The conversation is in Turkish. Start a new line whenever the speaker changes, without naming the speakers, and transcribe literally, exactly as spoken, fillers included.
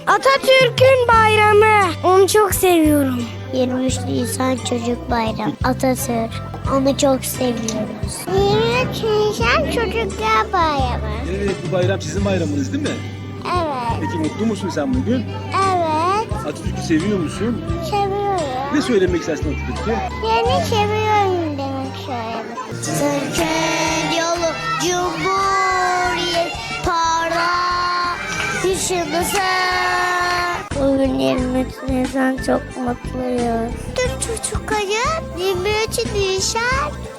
Atatürk'ün bayramı. Onu çok seviyorum.
yirmi üç Nisan Çocuk Bayramı. Atatürk. Onu çok seviyoruz. yirmi üç Nisan Çocuklar Bayramı.
Evet, bu bayram sizin bayramınız değil mi?
Evet.
Peki mutlu musun sen bugün?
Evet.
Atatürk'ü seviyor musun?
Seviyorum.
Ne söylemek istersin Atatürk'e?
Yani seviyorum demek söylemek. Türkiye yolu Cumhuriyet para yaşındasın. Bugün yirmi üç Nisan çok mutluyuz. Tüm çocukların yirmi üç Nisan